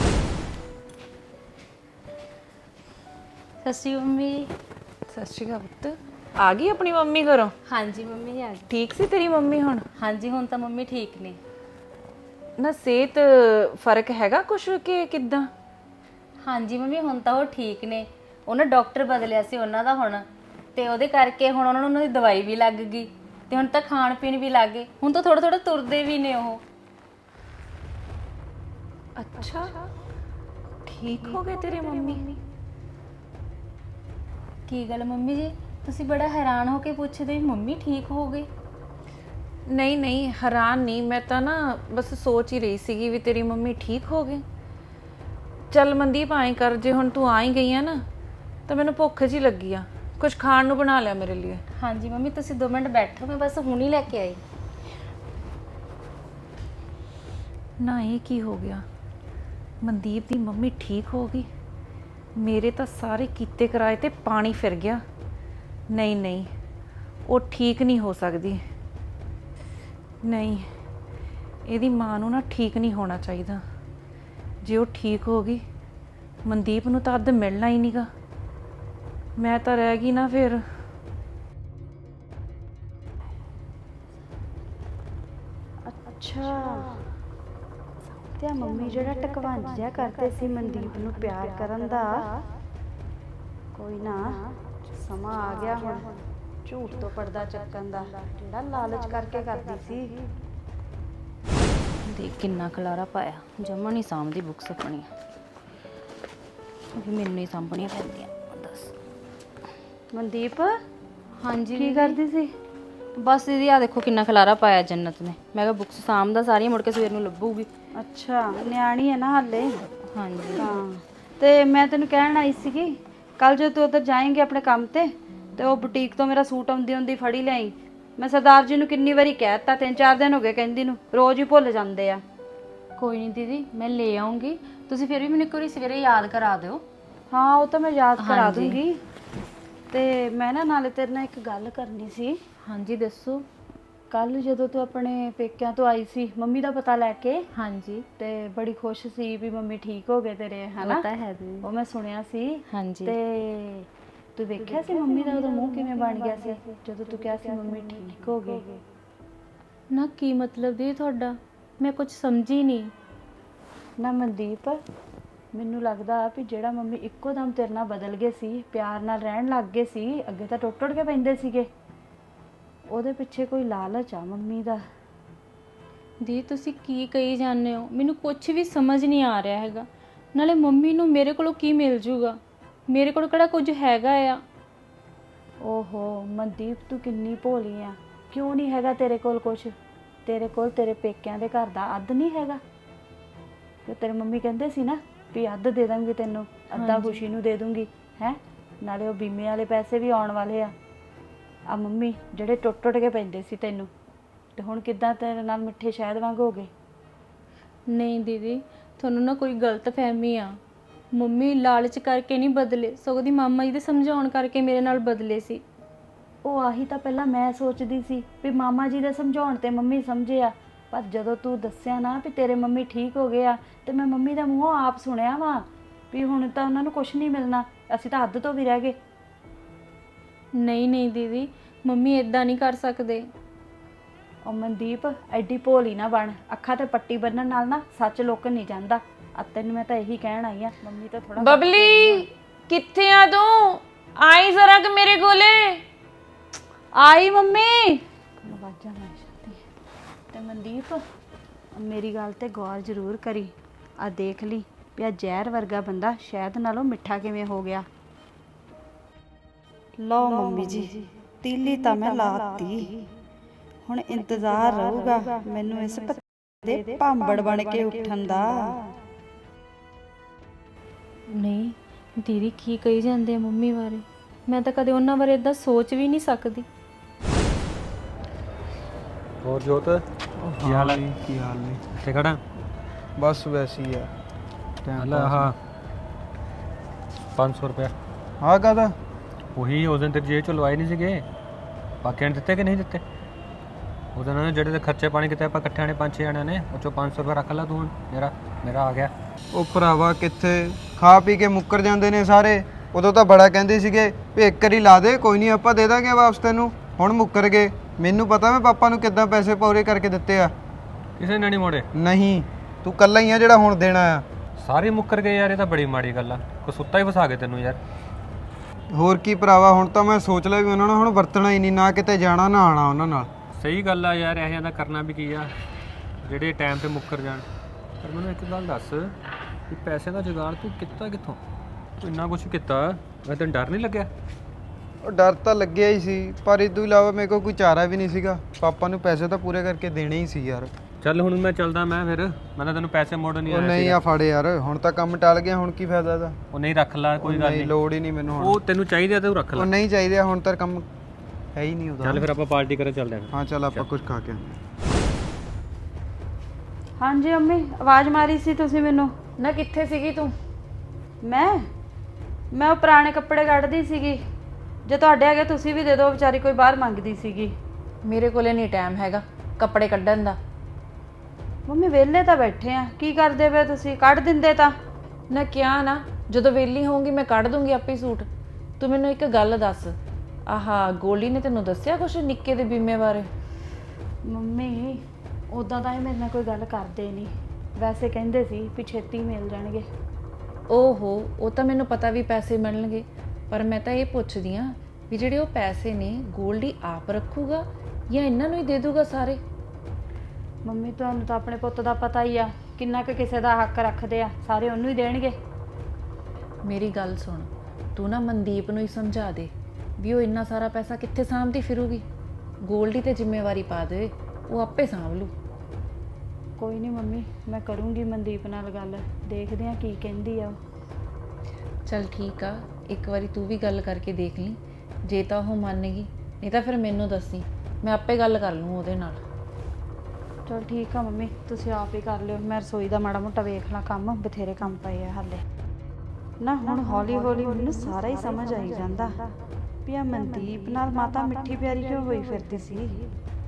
Speaker 2: ਸਤਿ ਸ਼੍ਰੀ ਅਕਾਲ ਮੰਮੀ।
Speaker 3: ਸਤਿ ਸ਼੍ਰੀ ਅਕਾਲ ਪੁੱਤ। ਆ ਗਈ ਆਪਣੀ ਮੰਮੀ ਘਰੋਂ?
Speaker 2: ਹਾਂਜੀ ਮੰਮੀ ਆ ਗਈ।
Speaker 3: ਠੀਕ ਸੀ ਤੇਰੀ ਮੰਮੀ ਹੁਣ?
Speaker 2: ਹਾਂਜੀ ਹੁਣ ਤਾਂ ਮੰਮੀ ਠੀਕ ਨੇ।
Speaker 3: ਨਾ ਸਿਹਤ ਫਰਕ ਹੈਗਾ ਕੁਛ ਕਿ ਕਿੱਦਾਂ?
Speaker 2: ਹਾਂਜੀ ਮੰਮੀ ਹੁਣ ਤਾਂ ਉਹ ਠੀਕ ਨੇ। ਉਹਨਾਂ ਡਾਕਟਰ ਬਦਲਿਆ ਸੀ ਉਹਨਾਂ ਦਾ ਹੁਣ, ਤੇ ਉਹਦੇ ਕਰਕੇ ਹੁਣ ਉਹਨਾਂ ਨੂੰ ਉਹਨਾਂ ਦੀ ਦਵਾਈ ਵੀ ਲੱਗ ਗਈ ਤੇ ਹੁਣ ਤਾਂ ਖਾਣ ਪੀਣ ਵੀ ਲੱਗ ਗਏ। ਹੁਣ ਤਾਂ ਥੋੜਾ ਥੋੜਾ ਤੁਰਦੇ ਵੀ ਨੇ ਉਹ।
Speaker 3: ਅੱਛਾ ਠੀਕ ਹੋ ਗਏ ਤੇਰੇ ਮੰਮੀ?
Speaker 2: ਕੀ ਗੱਲ ਮੰਮੀ ਜੀ ਤੁਸੀਂ ਬੜਾ ਹੈਰਾਨ ਹੋ ਕੇ ਪੁੱਛਦੇ ਮੰਮੀ ਠੀਕ ਹੋ ਗਏ?
Speaker 3: ਨਹੀਂ ਨਹੀਂ ਹੈਰਾਨ ਨਹੀਂ, ਮੈਂ ਤਾਂ ਨਾ ਬਸ ਸੋਚ ਹੀ ਰਹੀ ਸੀਗੀ ਵੀ ਤੇਰੀ ਮੰਮੀ ਠੀਕ ਹੋ ਗਏ। ਚੱਲ ਮਨਦੀਪ ਆਏਂ ਕਰ, ਜੇ ਹੁਣ ਤੂੰ ਆ ਹੀ ਗਈ ਆ ਨਾ ਤਾਂ ਮੈਨੂੰ ਭੁੱਖ ਜੀ ਲੱਗੀ ਆ, ਕੁਝ ਖਾਣ ਨੂੰ ਬਣਾ ਲਿਆ ਮੇਰੇ ਲਈ।
Speaker 2: ਹਾਂਜੀ ਮੰਮੀ ਤੁਸੀਂ 2 ਮਿੰਟ ਬੈਠੋ, ਮੈਂ ਬਸ ਹੁਣੀ ਲੈ ਕੇ ਆਈ।
Speaker 3: ਨਾ ਇਹ ਕੀ ਹੋ ਗਿਆ? ਮਨਦੀਪ ਦੀ ਮੰਮੀ ਠੀਕ ਹੋ ਗਈ? ਮੇਰੇ ਤਾਂ ਸਾਰੇ ਕੀਤੇ ਕਰਾਏ ਤੇ ਪਾਣੀ ਫਿਰ ਗਿਆ। ਨਹੀਂ ਨਹੀਂ ਉਹ ਠੀਕ ਨਹੀਂ ਹੋ ਸਕਦੀ। ਨਹੀਂ ਇਹਦੀ ਮਾਂ ਨੂੰ ਨਾ ਠੀਕ ਨਹੀਂ ਹੋਣਾ ਚਾਹੀਦਾ। ਜੇ ਉਹ ਠੀਕ ਹੋ ਗਈ ਮਨਦੀਪ ਨੂੰ ਤਾਂ ਅੱਧ ਮਿਲਣਾ ਹੀ ਨਹੀਂਗਾ। ਮੈਂ ਤਾਂ ਰਹਿ ਗਈ ਨਾ ਫਿਰ।
Speaker 4: ਅੱਛਾ ਤੇ ਆ ਮੰਮੀ ਜਿਹੜਾ ਟਕਵਾਂਜ ਜਿਹਾ ਕਰਦੇ ਸੀ ਮਨਦੀਪ ਨੂੰ ਪਿਆਰ ਕਰਨ ਦਾ, ਕੋਈ ਨਾ ਸਮਾਂ ਆ ਗਿਆ ਹੁਣ ਝੂਠ ਤੋਂ ਪਰਦਾ ਚੱਕਣ ਦਾ, ਜਿਹੜਾ ਲਾਲਚ ਕਰਕੇ ਕਰਦੀ ਸੀ।
Speaker 2: ਦੇਖ ਕਿੰਨਾ ਖਲਾਰਾ ਪਾਇਆ, ਜਮਾ ਨਹੀਂ ਸਾਂਭਦੀ ਬੁੱਕਸ ਆਪਣੀਆਂ, ਵੀ ਮੈਨੂੰ ਹੀ ਸਾਂਭਣੀਆਂ ਪੈਂਦੀਆਂ। ਦੱਸ
Speaker 4: ਮਨਦੀਪ
Speaker 2: ਹਾਂਜੀ
Speaker 4: ਕੀ ਕਰਦੀ ਸੀ?
Speaker 2: ਬਸ ਦੀਦੀ ਆ ਦੇਖੋ ਕਿੰਨਾ ਖਲਾਰਾ ਪਾਇਆ ਜੰਨਤ ਨੇ। ਮੈਂ ਕਿਹਾ ਬੁੱਕਸ ਸਾਂਭਦਾ ਸਾਰੀਆਂ, ਮੁੜ ਕੇ ਸਵੇਰ ਨੂੰ ਲੱਭੂਗੀ।
Speaker 4: ਅੱਛਾ ਨਿਆਣੀ ਹੈ ਨਾ ਹਾਲੇ।
Speaker 2: ਹਾਂਜੀ
Speaker 4: ਹਾਂ ਤੇ ਮੈਂ ਤੈਨੂੰ ਕਹਿਣ ਆਈ ਸੀਗੀ ਕੱਲ ਜਦੋਂ ਤੂੰ ਉੱਧਰ ਜਾਏਂਗੀ ਆਪਣੇ ਕੰਮ ਤੇ ਉਹ ਬੁਟੀਕ ਤੋਂ ਮੇਰਾ ਸੂਟ ਆਉਂਦੀ ਫੜੀ ਲਿਆਈ। ਮੈਂ ਸਰਦਾਰ ਜੀ ਨੂੰ ਕਿੰਨੀ ਵਾਰੀ ਕਹਿ ਦਿੱਤਾ, 3-4 ਦਿਨ ਹੋ ਗਏ ਕਹਿੰਦੀ ਨੂੰ, ਰੋਜ਼ ਹੀ ਭੁੱਲ ਜਾਂਦੇ ਆ।
Speaker 2: ਕੋਈ ਨਹੀਂ ਦੀਦੀ ਮੈਂ ਲੈ ਆਉਂਗੀ, ਤੁਸੀਂ ਫਿਰ ਵੀ ਮੈਨੂੰ ਇੱਕ ਵਾਰੀ ਸਵੇਰੇ ਯਾਦ ਕਰਾ ਦਿਓ।
Speaker 4: ਹਾਂ ਉਹ ਤਾਂ ਮੈਂ ਯਾਦ ਕਰਾ ਦੂੰਗੀ। ਤੇ ਮੈਂ ਨਾ ਨਾਲੇ ਤੇਰੇ ਨਾਲ ਇੱਕ ਗੱਲ ਕਰਨੀ ਸੀ।
Speaker 2: ਹਾਂਜੀ ਦੱਸੋ।
Speaker 4: ਕੱਲ ਜਦੋਂ ਤੂੰ ਆਪਣੇ ਪੇਕਿਆਂ ਤੋਂ ਆਈ ਸੀ ਮੰਮੀ ਦਾ ਪਤਾ ਲੈ ਕੇ,
Speaker 2: ਹਾਂਜੀ
Speaker 4: ਤੇ ਬੜੀ ਖੁਸ਼ ਸੀ ਵੀ ਮੰਮੀ ਠੀਕ ਹੋ ਗਏ ਤੇਰੇ, ਹਨਾ?
Speaker 2: ਪਤਾ ਹੈ ਦੀਦੀ।
Speaker 4: ਉਹ ਮੈਂ ਸੁਣਿਆ ਸੀ।
Speaker 2: ਹਾਂਜੀ
Speaker 4: ਤੇ ਤੂੰ ਵੇਖਿਆ ਸੀ ਮੰਮੀ ਦਾ ਉਹਦਾ ਮੂੰਹ ਕਿਵੇਂ ਬਣ ਗਿਆ ਸੀ ਜਦੋਂ ਤੂੰ ਕਿਹਾ ਸੀ ਮੰਮੀ ਠੀਕ ਹੋ ਗਈ?
Speaker 2: ਨਾ ਕੀ ਮਤਲਬ ਦੀ ਤੁਹਾਡਾ? ਮੈਂ ਕੁਝ ਸਮਝੀ ਨਹੀਂ।
Speaker 4: ਨਾ ਮਨਦੀਪ ਮੈਨੂੰ ਲੱਗਦਾ ਵੀ ਜਿਹੜਾ ਮੰਮੀ ਇੱਕੋ ਦਮ ਤੇਰੇ ਨਾਲ ਬਦਲ ਗਏ ਸੀ, ਪਿਆਰ ਨਾਲ ਰਹਿਣ ਲੱਗ ਗਏ ਸੀ, ਅੱਗੇ ਤਾਂ ਟੁੱਟ ਕੇ ਪੈਂਦੇ ਸੀਗੇ, ਉਹਦੇ ਪਿੱਛੇ ਕੋਈ ਲਾਲਚ ਆ ਮੰਮੀ ਦਾ।
Speaker 2: ਦੀ ਤੁਸੀਂ ਕੀ ਕਹੀ ਜਾਂਦੇ ਹੋ? ਮੈਨੂੰ ਕੁਝ ਵੀ ਸਮਝ ਨਹੀਂ ਆ ਰਿਹਾ ਹੈਗਾ। ਨਾਲੇ ਮੰਮੀ ਨੂੰ ਮੇਰੇ ਕੋਲੋਂ ਕੀ ਮਿਲ ਜੂਗਾ? ਮੇਰੇ ਕੋਲ ਕਿਹੜਾ ਕੁਝ ਹੈਗਾ ਆ?
Speaker 4: ਓਹੋ ਮਨਦੀਪ, ਤੂੰ ਕਿੰਨੀ ਭੋਲੀ ਆ। ਕਿਉਂ ਨਹੀਂ ਹੈਗਾ ਤੇਰੇ ਕੋਲ ਕੁਛ? ਤੇਰੇ ਕੋਲ ਤੇਰੇ ਪੇਕਿਆਂ ਦੇ ਘਰ ਦਾ ਅੱਧ ਨਹੀਂ ਹੈਗਾ? ਕਿ ਤੇਰੀ ਮੰਮੀ ਕਹਿੰਦੇ ਸੀ ਨਾ ਵੀ ਅੱਧ ਦੇ ਦਾਂਗੀ ਤੈਨੂੰ, ਅੱਧਾ ਖੁਸ਼ੀ ਨੂੰ ਦੇ ਦੂੰਗੀ ਹੈ। ਨਾਲੇ ਉਹ ਬੀਮੇ ਵਾਲੇ ਪੈਸੇ ਵੀ ਆਉਣ ਵਾਲੇ ਆ ਮੰਮੀ ਜਿਹੜੇ ਟੁੱਟ ਟੁੱਟ ਕੇ ਪੈਂਦੇ ਸੀ ਤੈਨੂੰ, ਤੇ ਹੁਣ ਕਿੱਦਾਂ ਤੇਰੇ ਨਾਲ ਮਿੱਠੇ ਸ਼ਹਿਦ ਵਾਂਗ ਹੋ ਗਏ?
Speaker 2: ਨਹੀਂ ਦੀਦੀ, ਤੁਹਾਨੂੰ ਨਾ ਕੋਈ ਗਲਤ ਫਹਿਮੀ ਆ। ਮੰਮੀ ਲਾਲਚ ਕਰਕੇ ਨਹੀਂ ਬਦਲੇ, ਸਗੋਂ ਦੀ ਮਾਮਾ ਜੀ ਦੇ ਸਮਝਾਉਣ ਕਰਕੇ ਮੇਰੇ ਨਾਲ ਬਦਲੇ ਸੀ।
Speaker 4: ਉਹ ਆਹੀ ਤਾਂ ਪਹਿਲਾਂ ਮੈਂ ਸੋਚਦੀ ਸੀ ਵੀ ਮਾਮਾ ਜੀ ਦੇ ਸਮਝਾਉਣ ਤੇ ਮੰਮੀ ਸਮਝੇ ਆ, ਪਰ ਜਦੋਂ ਤੂੰ ਦੱਸਿਆ ਨਾ ਵੀ ਤੇਰੇ ਮੰਮੀ ਠੀਕ ਹੋ ਗਏ ਆ, ਤੇ ਮੈਂ ਮੰਮੀ ਦਾ ਮੂੰਹੋਂ ਆਪ ਸੁਣਿਆ ਵਾ ਵੀ ਹੁਣ ਤਾਂ ਉਹਨਾਂ ਨੂੰ ਕੁਝ ਨਹੀਂ ਮਿਲਣਾ, ਅਸੀਂ ਤਾਂ ਅੱਧ ਤੋਂ ਵੀ ਰਹਿ ਗਏ।
Speaker 2: ਨਹੀਂ ਨਹੀਂ ਦੀਦੀ, ਮੰਮੀ ਇਦਾਂ ਨਹੀਂ ਕਰ ਸਕਦੇ।
Speaker 4: ਉਹ ਮਨਦੀਪ, ਐਡੀ ਭੋਲੀ ਨਾ ਬਣ। ਅੱਖਾਂ ਤੇ ਪੱਟੀ ਬੰਨਣ ਨਾਲ ਨਾ ਸੱਚ ਲੁਕ ਨਹੀਂ ਜਾਂਦਾ। ਤੈਨੂੰ ਮੈਂ ਤਾਂ ਇਹੀ ਕਹਿਣ ਆਈ ਆ, ਮੰਮੀ ਤਾਂ ਥੋੜਾ
Speaker 3: ਬਬਲੀ ਕਿੱਥੇ ਆ ਤੂੰ? ਆਈ ਜ਼ਰਾ ਕਿ ਮੇਰੇ ਕੋਲੇ।
Speaker 4: ਆਈ ਮੰਮੀ। ਆਵਾਜ਼ਾਂ ਮਾਰ ਜਾਂਦੀ ਤੇ ਮਨਦੀਪ, ਮੇਰੀ ਗੱਲ ਤੇ ਗੌਰ ਜ਼ਰੂਰ ਕਰੀ। ਆ ਦੇਖ ਲਈ ਵੀ ਆ ਜ਼ਹਿਰ ਵਰਗਾ ਬੰਦਾ ਸ਼ਹਿਦ ਨਾਲੋਂ ਮਿੱਠਾ ਕਿਵੇਂ ਹੋ ਗਿਆ। ਲਓ ਮੰਮੀ ਜੀ, ਤੀਲੀ ਤਾਂ ਮੈਂ ਲਾਤੀ। ਹੁਣ ਇੰਤਜ਼ਾਰ ਰਹੂਗਾ ਮੈਨੂੰ ਇਸ ਦੇ ਭਾਂਬੜ ਬਣ ਕੇ ਉੱਠਣ ਦਾ।
Speaker 2: ਨਹੀਂ ਦੀਦੀ, ਕੀ ਕਹੀ ਜਾਂਦੇ ਆ ਮੰਮੀ ਬਾਰੇ? ਮੈਂ ਤਾਂ ਕਦੇ ਉਹਨਾਂ ਬਾਰੇ ਇਦਾਂ ਸੋਚ ਵੀ ਨਹੀਂ ਸਕਦੀ।
Speaker 8: ਹੋਰ ਜੋਤ ਕੀ ਹਾਲ ਹੈ?
Speaker 1: ਕੀ ਹਾਲ ਨੇ?
Speaker 8: ਕਿੱਥੇ ਖੜਾ?
Speaker 7: ਬਸ ਵੈਸੇ ਹੀ ਆ।
Speaker 8: ਹਲਾ ਹਾਂ 500 ਰੁਪਇਆ
Speaker 7: ਹਾਂ ਕਾਹਦਾ?
Speaker 8: ਉਹੀ ਉਸ ਦਿਨ ਤੇ ਜੇਬ ਚੋਂ ਲਵਾਏ ਨਹੀਂ ਸੀਗੇ, ਬਾਕੀਆਂ ਨੇ ਦਿੱਤੇ ਕਿ ਨਹੀਂ ਦਿੱਤੇ? ਉਹਦੇ ਨਾਲ ਜਿਹੜੇ ਦੇ ਖਰਚੇ ਪਾਣੀ ਕਿਤੇ ਆਪਾਂ ਇਕੱਠਿਆਂ ਨੇ 5-6 ਜਣਿਆਂ ਨੇ, ਉਹ ਚੋਂ 500 ਰੁਪਇਆ ਰੱਖ ਲਾ ਤੂੰ। ਹੁਣ ਮੇਰਾ ਆ ਗਿਆ।
Speaker 7: ਉਹ ਭਰਾਵਾ ਕਿੱਥੇ, ਖਾ ਪੀ ਕੇ ਮੁੱਕਰ ਜਾਂਦੇ ਨੇ ਸਾਰੇ। ਉਦੋਂ ਤਾਂ ਬੜਾ ਕਹਿੰਦੇ ਸੀਗੇ ਵੀ ਇੱਕ ਵਾਰੀ ਲਾ ਦੇ, ਕੋਈ ਨਹੀਂ ਆਪਾਂ ਦੇ ਦਾਂਗੇ ਵਾਪਸ ਤੈਨੂੰ। ਹੁਣ ਮੁੱਕਰ ਗਏ। ਮੈਨੂੰ ਪਤਾ ਮੈਂ ਪਾਪਾ ਨੂੰ ਕਿੱਦਾਂ ਪੈਸੇ ਪੂਰੇ ਕਰਕੇ ਦਿੱਤੇ ਆ।
Speaker 8: ਕਿਸੇ ਨੇ ਨਹੀਂ ਮੋੜੇ?
Speaker 7: ਨਹੀਂ, ਤੂੰ ਕੱਲਾ ਹੀ ਆ ਜਿਹੜਾ ਹੁਣ ਦੇਣਾ ਆ।
Speaker 8: ਸਾਰੇ ਮੁੱਕਰ ਗਏ ਯਾਰ, ਇਹ ਤਾਂ ਬੜੀ ਮਾੜੀ ਗੱਲ ਆ। ਕੋਈ ਸੁੱਤਾ ਹੀ ਫਸਾ ਕੇ ਤੈਨੂੰ ਯਾਰ।
Speaker 7: ਹੋਰ ਕੀ ਭਰਾਵਾ, ਹੁਣ ਤਾਂ ਮੈਂ ਸੋਚ ਲਿਆ ਵੀ ਉਹਨਾਂ ਨੂੰ ਹੁਣ ਵਰਤਣਾ ਹੀ ਨਹੀਂ, ਨਾ ਕਿਤੇ ਜਾਣਾ ਨਾ ਆਣਾ ਉਹਨਾਂ ਨਾਲ।
Speaker 8: ਸਹੀ ਗੱਲ ਆ ਯਾਰ, ਇਹੋ ਜਿਹਾ ਕਰਨਾ ਵੀ ਕੀ ਆ ਜਿਹੜੇ ਟਾਈਮ ਤੇ ਮੁੱਕਰ ਜਾਣ। ਪਰ ਮੈਨੂੰ ਇੱਕ ਗੱਲ ਦੱਸ ਵੀ ਪੈਸੇ ਦਾ ਜੁਗਾੜ ਤੂੰ ਕੀਤਾ ਕਿੱਥੋਂ? ਤੂੰ ਇੰਨਾ ਕੁਛ ਕੀਤਾ, ਮੈਂ ਤੈਨੂੰ ਡਰ ਨਹੀਂ ਲੱਗਿਆ?
Speaker 7: ਉਹ ਡਰ ਤਾਂ ਲੱਗਿਆ ਹੀ ਸੀ, ਪਰ ਇਸ ਤੋਂ ਇਲਾਵਾ ਮੇਰੇ ਕੋਲ ਕੋਈ ਚਾਰਾ ਵੀ ਨਹੀਂ ਸੀਗਾ। ਪਾਪਾ ਨੂੰ ਪੈਸੇ ਤਾਂ ਪੂਰੇ ਕਰਕੇ ਦੇਣੇ ਹੀ ਸੀ ਯਾਰ।
Speaker 8: ਚੱਲ ਹੁਣ ਮੈਂ ਚੱਲਦਾ, ਮੈਂ ਤਾਂ ਤੈਨੂੰ ਪੈਸੇ ਮੋੜਨ ਨਹੀਂ
Speaker 7: ਉਹ
Speaker 8: ਆਇਆ
Speaker 7: ਨਹੀਂ
Speaker 8: ਸੀਗਾ।
Speaker 7: ਆ ਫੜ ਯਾਰ, ਹੁਣ ਤਾਂ ਕੰਮ ਟਲ ਗਿਆ, ਹੁਣ ਕੀ ਫਾਇਦਾ ਇਹਦਾ?
Speaker 8: ਉਹ ਨਹੀਂ, ਰੱਖ ਲੈ, ਕੋਈ ਗੱਲ
Speaker 7: ਨਹੀਂ,
Speaker 8: ਨਹੀਂ।
Speaker 7: ਲੋੜ ਹੀ ਨਹੀਂ ਮੈਨੂੰ ਹੁਣ।
Speaker 8: ਉਹ ਤੈਨੂੰ ਚਾਹੀਦਾ ਤੇ ਉਹ ਰੱਖ
Speaker 7: ਉਹ
Speaker 8: ਲੈ।
Speaker 7: ਨਹੀਂ ਚਾਹੀਦੇ, ਹੁਣ ਤਾਂ ਕੰਮ ਹੈ ਹੀ ਨਹੀਂ ਉਹਦਾ।
Speaker 8: ਚੱਲ ਫਿਰ ਆਪਾਂ ਪਾਰਟੀ ਕਰਨ ਚੱਲਦੇ ਹਾਂ।
Speaker 7: ਹਾਂ ਚੱਲ ਆਪਾਂ ਕੁਝ ਖਾ ਕੇ ਆਉਂਦੇ
Speaker 4: ਹਾਂਜੀ ਮੰਮੀ, ਆਵਾਜ਼ ਮਾਰੀ ਸੀ ਤੁਸੀਂ ਮੈਨੂੰ?
Speaker 3: ਨਾ ਕਿੱਥੇ ਸੀਗੀ ਤੂੰ?
Speaker 4: ਮੈਂ ਉਹ ਪੁਰਾਣੇ ਕੱਪੜੇ ਕੱਢਦੀ ਸੀਗੀ। ਜੇ ਤੁਹਾਡੇ ਹੈਗੇ ਤੁਸੀਂ ਵੀ ਦੇ ਦਿਓ, ਵਿਚਾਰੀ ਕੋਈ ਬਾਹਰ ਮੰਗਦੀ ਸੀਗੀ।
Speaker 3: ਮੇਰੇ ਕੋਲੇ ਨਹੀਂ ਟਾਈਮ ਹੈਗਾ ਕੱਪੜੇ ਕੱਢਣ ਦਾ।
Speaker 4: ਮੰਮੀ ਵਿਹਲੇ ਤਾਂ ਬੈਠੇ ਆ, ਕੀ ਕਰਦੇ ਪਏ ਤੁਸੀਂ? ਕੱਢ ਦਿੰਦੇ ਤਾਂ।
Speaker 3: ਨਾ ਕਿਹਾ ਨਾ, ਜਦੋਂ ਵਿਹਲੀ ਹੋਊਂਗੀ ਮੈਂ ਕੱਢ ਦੂੰਗੀ ਆਪੇ ਸੂਟ। ਤੂੰ ਮੈਨੂੰ ਇੱਕ ਗੱਲ ਦੱਸ, ਆਹਾ ਗੋਲੀ ਨੇ ਤੈਨੂੰ ਦੱਸਿਆ ਕੁਛ ਨਿੱਕੇ ਦੇ ਬੀਮੇ ਬਾਰੇ?
Speaker 4: ਮੰਮੀ ਉਦਾਂ ਤਾਂ ਇਹ ਮੇਰੇ ਨਾਲ ਕੋਈ ਗੱਲ ਕਰਦੇ ਨਹੀਂ, ਵੈਸੇ ਕਹਿੰਦੇ ਸੀ ਵੀ ਛੇਤੀ ਮਿਲ ਜਾਣਗੇ।
Speaker 3: ਓਹੋ, ਉਹ ਤਾਂ ਮੈਨੂੰ ਪਤਾ ਵੀ ਪੈਸੇ ਮਿਲਣਗੇ, ਪਰ ਮੈਂ ਤਾਂ ਇਹ ਪੁੱਛਦੀ ਆ ਵੀ ਜਿਹੜੇ ਉਹ ਪੈਸੇ ਨੇ ਗੋਲਡੀ ਆਪ ਰੱਖੂਗਾ ਜਾਂ ਇਹਨਾਂ ਨੂੰ ਹੀ ਦੇ ਦੂਗਾ ਸਾਰੇ?
Speaker 4: ਮੰਮੀ ਤੁਹਾਨੂੰ ਤਾਂ ਆਪਣੇ ਪੁੱਤ ਦਾ ਪਤਾ ਹੀ ਆ, ਕਿੰਨਾ ਕੁ ਕਿਸੇ ਦਾ ਹੱਕ ਰੱਖਦੇ ਆ, ਸਾਰੇ ਉਹਨੂੰ ਹੀ ਦੇਣਗੇ।
Speaker 3: ਮੇਰੀ ਗੱਲ ਸੁਣ, ਤੂੰ ਨਾ ਮਨਦੀਪ ਨੂੰ ਹੀ ਸਮਝਾ ਦੇ ਵੀ ਉਹ ਇੰਨਾ ਸਾਰਾ ਪੈਸਾ ਕਿੱਥੇ ਸਾਂਭਦੀ ਫਿਰੂਗੀ। ਗੋਲਡੀ ਤੇ ਜ਼ਿੰਮੇਵਾਰੀ ਪਾ ਦੇ, ਉਹ ਆਪੇ ਸਾਂਭ ਲੂ।
Speaker 4: ਕੋਈ ਨਹੀਂ ਮੰਮੀ, ਮੈਂ ਕਰੂੰਗੀ ਮਨਦੀਪ ਨਾਲ ਗੱਲ, ਦੇਖਦੇ ਆ ਕੀ ਕਹਿੰਦੀ ਆ ਉਹ।
Speaker 3: ਚੱਲ ਠੀਕ ਆ, ਇੱਕ ਵਾਰੀ ਤੂੰ ਵੀ ਗੱਲ ਕਰਕੇ ਦੇਖ ਲਈ, ਜੇ ਤਾਂ ਉਹ ਮੰਨ ਗਈ, ਨਹੀਂ ਤਾਂ ਫਿਰ ਮੈਨੂੰ ਦੱਸੀ, ਮੈਂ ਆਪੇ ਗੱਲ ਕਰ ਲੂੰ ਉਹਦੇ ਨਾਲ।
Speaker 4: ਚਲ ਠੀਕ ਆ ਮੰਮੀ, ਤੁਸੀਂ ਆਪ ਹੀ ਕਰ ਲਿਓ, ਮੈਂ ਰਸੋਈ ਦਾ ਮਾੜਾ ਮੋਟਾ ਵੇਖ ਲਾਂ, ਕੰਮ ਬਥੇਰੇ ਕੰਮ ਪਏ ਆ ਹਾਲੇ ਨਾ। ਹੁਣ ਹੌਲੀ ਹੌਲੀ ਮੈਨੂੰ ਸਾਰਾ ਹੀ ਸਮਝ ਆਈ ਜਾਂਦਾ ਵੀ ਆ ਮਨਦੀਪ ਨਾਲ ਮਾਤਾ ਮਿੱਠੀ ਪਿਆਰੀ ਕਿਉਂ ਹੋਈ ਫਿਰਦੀ ਸੀ।